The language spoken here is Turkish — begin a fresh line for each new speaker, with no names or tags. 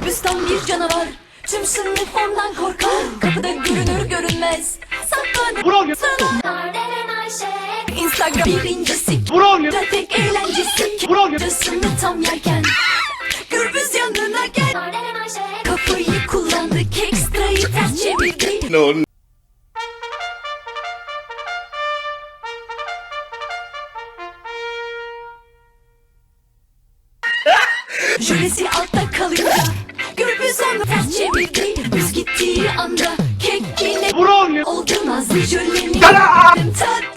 Gürbüz tam bir canavar. Tüm sınıf ondan korkar. Kapıda görünür görünmez saklanır sana. Instagram birincisi, trafik eğlencesi. Cısını tam yerken Gürbüz yanına gel. Kafayı kullandı, ekstrayı ters çevirdi.
No.
Jölesi altta kalınca Gürbüz onu ters çevirdi. Biz gittiği anda kek yine oldu nazlı jölenin. Tat